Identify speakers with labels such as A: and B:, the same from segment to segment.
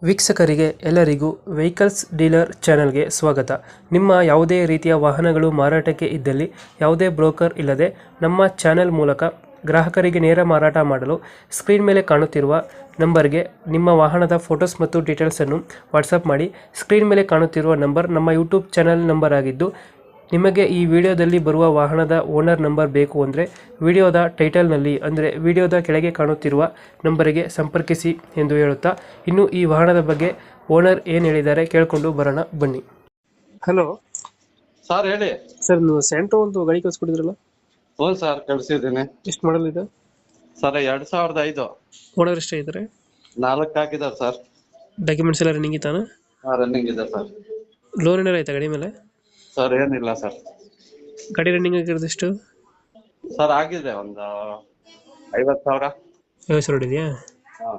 A: ವೀಕ್ಷಕರಿಗೆ ಎಲ್ಲರಿಗೂ vehicles dealer ಚಾನೆಲ್ಗೆ ಸ್ವಾಗತ. ನಿಮ್ಮ ಯಾವುದೇ ರೀತಿಯ ವಾಹನಗಳು ಮಾರಾಟಕ್ಕೆ ಇದ್ದಲ್ಲಿ ಯಾವುದೇ ಬ್ರೋಕರ್ ಇಲ್ಲದೆ ನಮ್ಮ ಚಾನೆಲ್ ಮೂಲಕ ಗ್ರಾಹಕರಿಗೆ ನೇರ ಮಾರಾಟ ಮಾಡಲು ಸ್ಕ್ರೀನ್ ಮೇಲೆ ಕಾಣುತ್ತಿರುವ ನಂಬರ್ಗೆ ನಿಮ್ಮ ವಾಹನದ ಫೋಟೋಸ್ ಮತ್ತು ಡೀಟೇಲ್ಸನ್ನು ವಾಟ್ಸಪ್ ಮಾಡಿ. ಸ್ಕ್ರೀನ್ ಮೇಲೆ ಕಾಣುತ್ತಿರುವ ನಂಬರ್ ನಮ್ಮ ಯೂಟ್ಯೂಬ್ ಚಾನೆಲ್ ನಂಬರ್ ಆಗಿದ್ದು, ನಿಮಗೆ ಈ ವಿಡಿಯೋದಲ್ಲಿ ಬರುವ ವಾಹನದ ಓನರ್ ನಂಬರ್ ಬೇಕು ಅಂದರೆ ವಿಡಿಯೋದ ಟೈಟಲ್ನಲ್ಲಿ ಅಂದರೆ ವಿಡಿಯೋದ ಕೆಳಗೆ ಕಾಣುತ್ತಿರುವ ನಂಬರಿಗೆ ಸಂಪರ್ಕಿಸಿ ಎಂದು ಹೇಳುತ್ತಾ, ಇನ್ನು ಈ ವಾಹನದ ಬಗ್ಗೆ ಓನರ್ ಏನು ಹೇಳಿದ್ದಾರೆ ಕೇಳಿಕೊಂಡು ಬರೋಣ ಬನ್ನಿ. ಹಲೋ
B: ಸರ್ ಹೇಳಿ.
A: ಸರ್, ನೀವು ಸ್ಯಾಂಟ್ರೋ ಒಂದು ಗಾಡಿ ಕಳಿಸ್ಕೊಟ್ಟಿದ್ರಲ್ಲ,
B: ಹ್ಞೂ ಸರ್ ಕಳ್ಸಿದ್ದೀನಿ.
A: ಎಷ್ಟು ಮಾಡಲ್ ಇದೆ
B: ಸರ್ 2005
A: ಓನರ್ ಎಷ್ಟೇ ಇದ್ದಾರೆ?
B: 4 ಹಾಕಿದ್ದಾರೆ ಸರ್.
A: ಡಾಕ್ಯುಮೆಂಟ್ಸ್ ಎಲ್ಲ ರನ್ನಿಂಗ್ ಇತ್ತಾನ?
B: ರನ್ನಿಂಗ್ ಇದೆ ಸರ್.
A: ಲೋನ್ ಏನಾರು ಆಯ್ತಾ ಗಾಡಿ ಮೇಲೆ?
B: ಸರ್ ಏನಿಲ್ಲ ಸರ್.
A: ಗಾಡಿ ರನ್ನಿಂಗ್ ಆಗಿರೋದು ಎಷ್ಟು?
B: ಸರ್ ಆಗಿದೆ ಒಂದು 50,000.
A: 50,000 ಇದೆಯಾ?
B: ಹಾಂ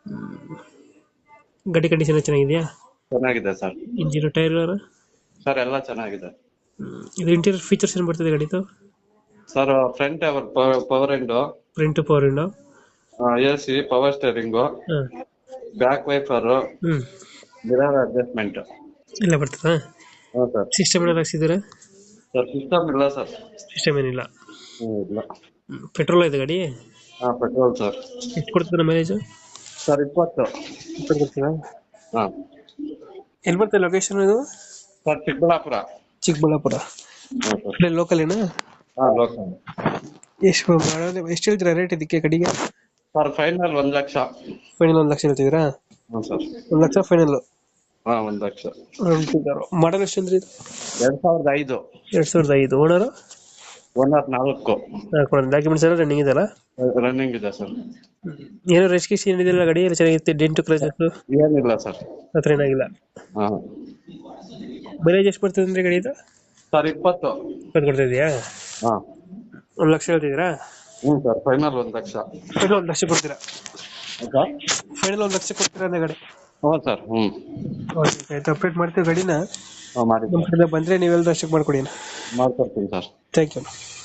A: ಗಾಡಿ ಕಂಡೀಷನ್ ಚೆನ್ನಾಗಿದೆಯಾ?
B: ಚೆನ್ನಾಗಿದೆ ಸರ್.
A: ಇಂಜಿನ್ ಟೈರ್
B: ಸರ್ ಎಲ್ಲ ಚೆನ್ನಾಗಿದೆ.
A: ಇದು ಇಂಟೀರಿಯರ್ ಫೀಚರ್ಸ್ ಏನು ಬರ್ತದೆ ಗಾಡಿದು?
B: Sir front power window,
A: front power window,
B: AC, power steering, back wiper, mirror adjustment
A: ಎಲ್ಲ ಬರ್ತದಾ?
B: ಹ್ಞೂ ಸರ್.
A: ಸಿಸ್ಟಮ್ ಏನಾರು ಹಾಕ್ಸಿದ್ದೀರಾ?
B: ಸರ್ ಸಿಸ್ಟಮ್ ಇಲ್ಲ ಸರ್.
A: ಸಿಸ್ಟಮ್ ಏನಿಲ್ಲ.
B: ಇಲ್ಲ.
A: ಪೆಟ್ರೋಲ್ ಇದೆ ಗಾಡಿ?
B: ಹಾಂ ಪೆಟ್ರೋಲ್ ಸರ್.
A: ಎಷ್ಟು ಕೊಡ್ತದೆ ಮೈಲೇಜು?
B: ಸರ್ 20.
A: ಕೊಡ್ತೀರಾ?
B: ಹಾಂ.
A: ಎಲ್ಲಿ ಬರ್ತದೆ ಲೊಕೇಶನ್ ಇದು?
B: ಸರ್ ಚಿಕ್ಕಬಳ್ಳಾಪುರ.
A: ಚಿಕ್ಕಬಳ್ಳಾಪುರ
B: ಹ್ಞೂ ಸರ್.
A: ಲೋಕಲ್ ಏನಾ?
B: ಹಾಂ ಲೋಕಲ್.
A: ಎಷ್ಟು ಹೇಳ್ತೀರಾ ರೇಟ್ ಇದಕ್ಕೆ ಗಾಡಿಗೆ?
B: Sir final 1 lakh.
A: Final 1 lakh ಹೇಳ್ತಿದ್ದೀರಾ?
B: ಹ್ಞೂ ಸರ್.
A: 1 ಲಕ್ಷ ಫೈನಲ್?
B: ಹಾಂ 1 ಲಕ್ಷ.
A: ಮಾಡಲ್ ಎಷ್ಟು ಅಂದ್ರೆ ಇದು?
B: 2005.
A: 2005. ಓನರ್?
B: ಓನರ್ 4.
A: ಡಾಕ್ಯುಮೆಂಟ್ಸ್ ಎಲ್ಲ ರನ್ನಿಂಗ್ ಇದೆಯಲ್ಲ?
B: ರನ್ನಿಂಗ್ ಇದೆ ಸರ್.
A: ಏನೋ ರೆಜಿಸ್ಟ್ರೇಷನ್ ಏನಿದೆಯಲ್ಲ ಗಾಡಿ ಎಲ್ಲ ಚೆನ್ನಾಗಿರುತ್ತೆ? ಡೆಂಟು ಕ್ರಚಸ್
B: ಏನಿಲ್ಲ ಸರ್.
A: ಹತ್ರ ಏನಾಗಿಲ್ಲ?
B: ಹಾಂ.
A: ಮೈಲೇಜ್ ಎಷ್ಟು ಬರ್ತದೆ ಅಂದ್ರೆ ಗಾಡಿ ಇದು?
B: ಸರ್ 20.
A: ಕೊಡ್ತಾ ಇದೆಯಾ?
B: ಹಾಂ.
A: 1 ಲಕ್ಷ ಹೇಳ್ತಿದ್ದೀರಾ?
B: ಹ್ಞೂ sir final 1 lakh.
A: Final 1 lakh ಕೊಡ್ತೀರಾ? ಫೈನಲ್ 1 ಲಕ್ಷ ಕೊಡ್ತೀರಾ ಅಂದ್ರೆ ಗಾಡಿ?
B: ಹ್ಞೂ ಸರ್. ಹ್ಞೂ
A: ಆಯ್ತು, ಅಪ್ಡೇಟ್ ಮಾಡ್ತೀವಿ ಗಾಡಿನ.
B: ಹಾಂ ಮಾಡಿ
A: ನಮ್ಮ ಕಡೆ ಬಂದರೆ ನೀವೆಲ್ಲರೂ ಅಷ್ಟಕ್ಕೆ ಮಾಡ್ಕೊಡಿ.
B: ಮಾಡ್ಕೊಡ್ತೀನಿ ಸರ್.
A: Thank you.